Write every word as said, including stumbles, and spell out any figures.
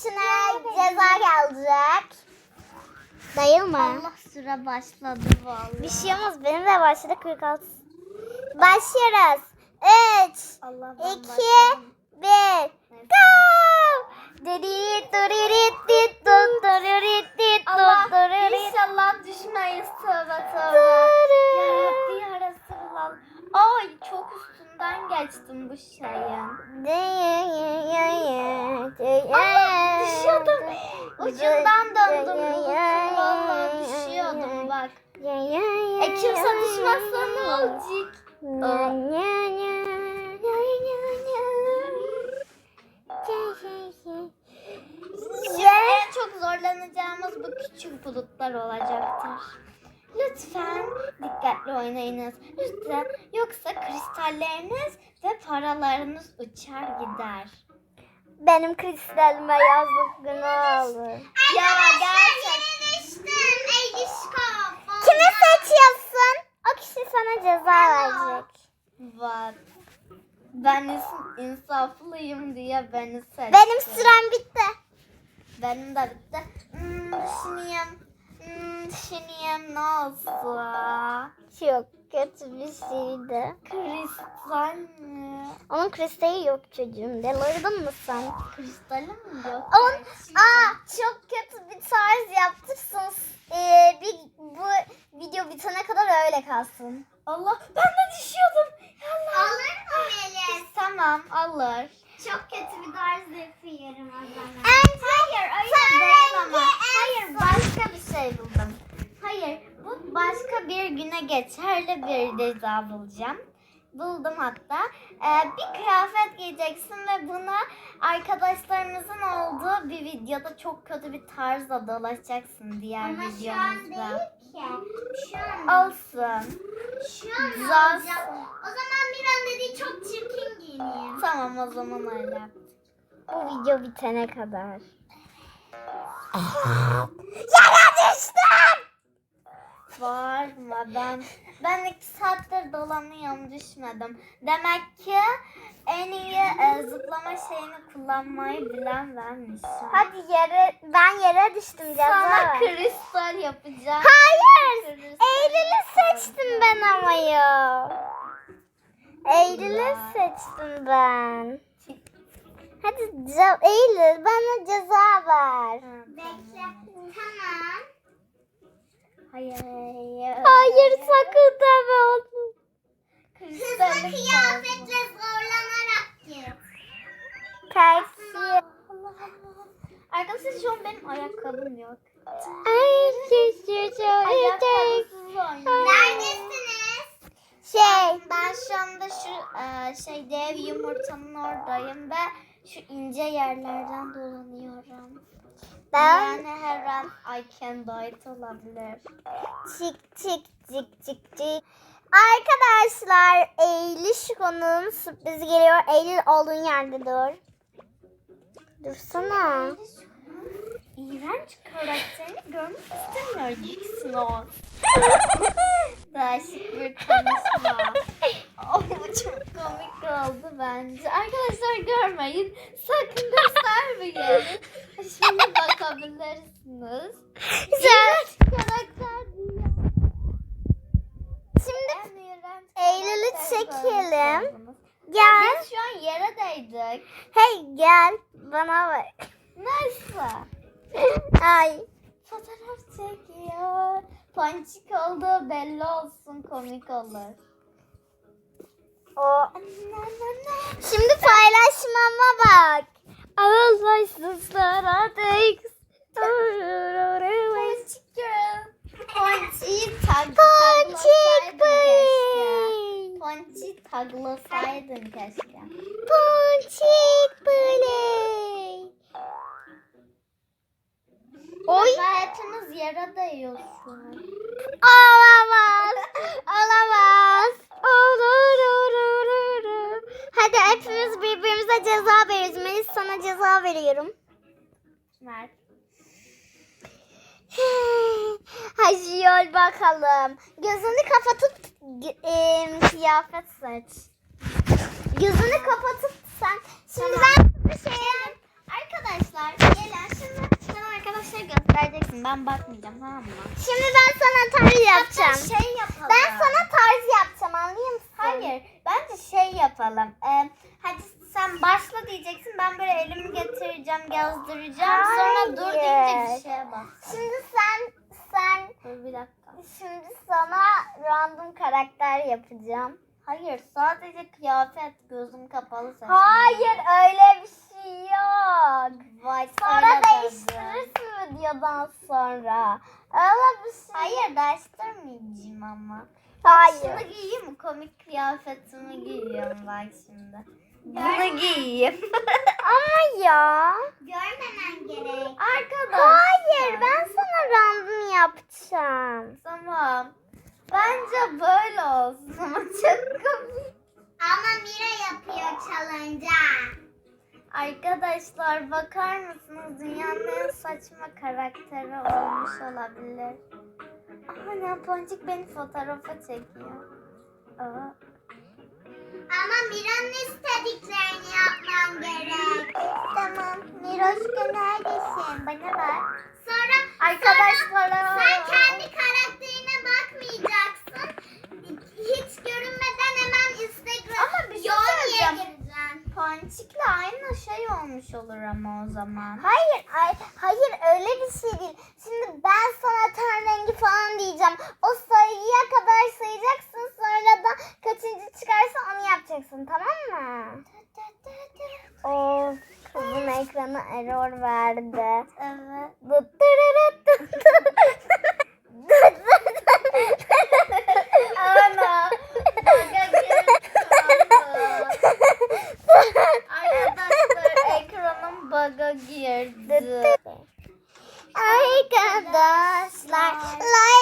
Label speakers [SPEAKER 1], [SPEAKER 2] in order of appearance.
[SPEAKER 1] kişine ceza gelecek. Değil mi?
[SPEAKER 2] Allah süre başladı vallahi.
[SPEAKER 1] Bir şey olmaz. Benim de başladı kırk altı. Başlıyoruz. üç,
[SPEAKER 2] Allah ben
[SPEAKER 1] iki,
[SPEAKER 2] başladım.
[SPEAKER 1] bir. Go! Diri diri dit tut diri dit
[SPEAKER 2] Allah
[SPEAKER 1] tut diri.
[SPEAKER 2] inşallah düşmeyiz tövbe tövbe. Yarabbi ya Resulallah. Ay çok üstünden geçtim bu şeyin. Allah düşüyordum. Ucundan döndüm bulutun vallahi düşüyordum bak. E kimse düşmezse ne olacak? Şimdi en çok zorlanacağımız bu küçük bulutlar olacaktır. Lütfen dikkatli oynayınız. Lütfen yoksa kristalleriniz ve paralarınız uçar gider.
[SPEAKER 1] Benim kristalime yazık günah olur.
[SPEAKER 2] Ya gerçekten.
[SPEAKER 1] Kimi seçiyorsun? O kişi sana ceza verecek.
[SPEAKER 2] Bak. Ben ins- insaflıyım diye beni seçti.
[SPEAKER 1] Benim sürem bitti.
[SPEAKER 2] Benim de bitti. Hmm, düşüneyim. Hmm, düşüneyim ne olsun.
[SPEAKER 1] Çok kötü bir şeydi.
[SPEAKER 2] Kristal mi?
[SPEAKER 1] Onun kristali yok çocuğum. Delirdin mi sen?
[SPEAKER 2] Kristalim mi yok?
[SPEAKER 1] Onun, aa, çok kötü bir tarz yaptırsın. Ee, bir, bu video bitene kadar öyle kalsın.
[SPEAKER 2] Allah ben de düşüyordum. Allah.
[SPEAKER 1] Alır mı Melis?
[SPEAKER 2] Tamam alır.
[SPEAKER 1] Çok kötü bir tarz yapıyorum o zaman.
[SPEAKER 2] Hayır öyle değil ama. Hayır başka bir şey buldum. Hayır bu başka bir güne geçerli bir ceza bulacağım. Buldum hatta. Ee, bir kıyafet giyeceksin ve bunu arkadaşlarımızın olduğu bir videoda çok kötü bir tarzla dolaşacaksın diğer
[SPEAKER 1] Ama şu an
[SPEAKER 2] videomuzda.
[SPEAKER 1] değil ki. Şu an.
[SPEAKER 2] Olsun.
[SPEAKER 1] Şu an
[SPEAKER 2] Zaz.
[SPEAKER 1] olacak. O zaman bir an dediği çok çirkin giyineyim.
[SPEAKER 2] Tamam o zaman öyle.
[SPEAKER 1] Bu video bitene kadar. Yere düştüm.
[SPEAKER 2] Bağırma ben. Ben iki saattir dolanıyorum düşmedim. Demek ki en iyi e, zıplama şeyini kullanmayı bilen benmişim.
[SPEAKER 1] Hadi yere, ben yere düştüm ceza
[SPEAKER 2] Sana
[SPEAKER 1] ver.
[SPEAKER 2] kristal yapacağım.
[SPEAKER 1] Hayır.
[SPEAKER 2] Kristal
[SPEAKER 1] Eylül'ü
[SPEAKER 2] yapacağım.
[SPEAKER 1] seçtim ben ama ya. Eylül'ü seçtim ben. Hadi ce- Eylül bana ceza ver.
[SPEAKER 2] Ha,
[SPEAKER 1] Bekle.
[SPEAKER 2] tamam.
[SPEAKER 1] Tamam.
[SPEAKER 2] Hayır. Hayır.
[SPEAKER 1] Hayır sakın deme onu.
[SPEAKER 2] Kristalim
[SPEAKER 1] kıyafetle zorlanarak gir. Kalsiye.
[SPEAKER 2] Allah Allah. Arkadaşlar şu an benim ayakkabım yok.
[SPEAKER 1] Ay şişiyor.
[SPEAKER 2] Ayakkabısız oynuyorum.
[SPEAKER 1] Neredesiniz? Şey.
[SPEAKER 2] Ben şu anda şu e, şey dev yumurtanın oradayım ve şu ince yerlerden dolanıyorum.
[SPEAKER 1] Ben
[SPEAKER 2] Yani her an I can do it olabilir.
[SPEAKER 1] çık çık çık çık çık. Arkadaşlar Eylül Şiko'nun sürprizi geliyor. Eylül olduğun yerde dur. Dursana.
[SPEAKER 2] İğrenç karakterini görmek istemiyor o. Değişik bir konuşma. Oh, bu çok komik oldu bence. Arkadaşlar görmeyin. Sakın göstermeyin. Şimdi bakabilirsiniz.
[SPEAKER 1] Güzel.
[SPEAKER 2] Karakter değil.
[SPEAKER 1] Şimdi
[SPEAKER 2] En iğrenç
[SPEAKER 1] Eylül'ü
[SPEAKER 2] karakter
[SPEAKER 1] çekelim.
[SPEAKER 2] görmüşsünüz.
[SPEAKER 1] Gel.
[SPEAKER 2] Biz şu an yere değdik.
[SPEAKER 1] Hey gel. Bana bak.
[SPEAKER 2] Neyse.
[SPEAKER 1] Ay.
[SPEAKER 2] Fotoğraf çekiyor. Ponçik olduğu belli olsun, komik olur.
[SPEAKER 1] O. Şimdi paylaşmama bak. Ağızlaşsızlar artık.
[SPEAKER 2] Ponçik girl. Ponçiği tag
[SPEAKER 1] Ponçik
[SPEAKER 2] taglasaydın
[SPEAKER 1] bey.
[SPEAKER 2] keşke. Ponçiği taglasaydın keşke.
[SPEAKER 1] Ponçik bey. Oy.
[SPEAKER 2] Ve hepiniz yere değiyorsunuz.
[SPEAKER 1] Olamaz. Olamaz. Olur, olur, olur. Hadi hepimiz birbirimize ceza veriyoruz. Melis sana ceza veriyorum.
[SPEAKER 2] Mert.
[SPEAKER 1] Hadi yol bakalım. Gözünü kapatıp e, kıyafet seç. Gözünü kapatıp sen. Şimdi ben bir şey
[SPEAKER 2] Arkadaşlar gelin şimdi sen arkadaşlar göstereceksin. Ben bakmayacağım tamam mı?
[SPEAKER 1] Şimdi ben sana tarz yapacağım.
[SPEAKER 2] Hatta şey yapalım.
[SPEAKER 1] Ben sana tarz yapacağım, anlıyor musun?
[SPEAKER 2] Hayır bence şey yapalım. Ee, hadi sen başla diyeceksin. Ben böyle elimi getireceğim, yazdıracağım. Sonra dur deyince bir şeye bak.
[SPEAKER 1] Şimdi sen sen
[SPEAKER 2] Dur bir dakika.
[SPEAKER 1] şimdi sana random karakter yapacağım.
[SPEAKER 2] Hayır sadece kıyafet gözüm kapalı saçım.
[SPEAKER 1] Hayır, öyle bir şey yok.
[SPEAKER 2] Vay,
[SPEAKER 1] Sonra
[SPEAKER 2] öyle dedi.
[SPEAKER 1] değiştirirsin videodan sonra. Öyle bir şey.
[SPEAKER 2] Hayır değiştirmeyeceğim ama.
[SPEAKER 1] Hayır.
[SPEAKER 2] Şunu giyeyim mi? Komik kıyafetimi giyiyorum bak şimdi. Bunu giyeyim.
[SPEAKER 1] Ama ya.
[SPEAKER 2] Görmemen gerek. Arkadaşlar.
[SPEAKER 1] Hayır, ben sana random yapacağım.
[SPEAKER 2] Tamam. Bence böyle olsun ama çok komik.
[SPEAKER 1] Ama Mira yapıyor challenge'a.
[SPEAKER 2] Arkadaşlar bakar mısınız? Dünyanın en saçma karakteri olmuş olabilir. Ana Ponçik beni fotoğrafa çekiyor. Aa.
[SPEAKER 1] Ama Mira'nın istediklerini yapmam gerek.
[SPEAKER 2] Tamam. Miroşka neredesin? Bana bak.
[SPEAKER 1] Sonra
[SPEAKER 2] Arkadaşlar.
[SPEAKER 1] sen kendi karakterine bakmayacaksın. Hiç görünmeden hemen Instagram
[SPEAKER 2] Ama bir şey
[SPEAKER 1] Yoni'ye
[SPEAKER 2] söyleyeceğim.
[SPEAKER 1] gireceksin.
[SPEAKER 2] Ponçik'le aynı şey olmuş olur ama o zaman.
[SPEAKER 1] Hayır, ay, hayır öyle bir şey değil. Şimdi ben sana ten rengi falan diyeceğim. O sayıya kadar sayacaksın. Sonra da kaçıncı çıkarsa onu yapacaksın, tamam mı? Of, kızın ekranı error verdi.
[SPEAKER 2] Evet.
[SPEAKER 1] Dıt dırırıt dıt dıt. Dıt dıt dıt.
[SPEAKER 2] Ana. Baga girdi. Arkadaşlar ekranım baga girdi.
[SPEAKER 1] Arkadaşlar like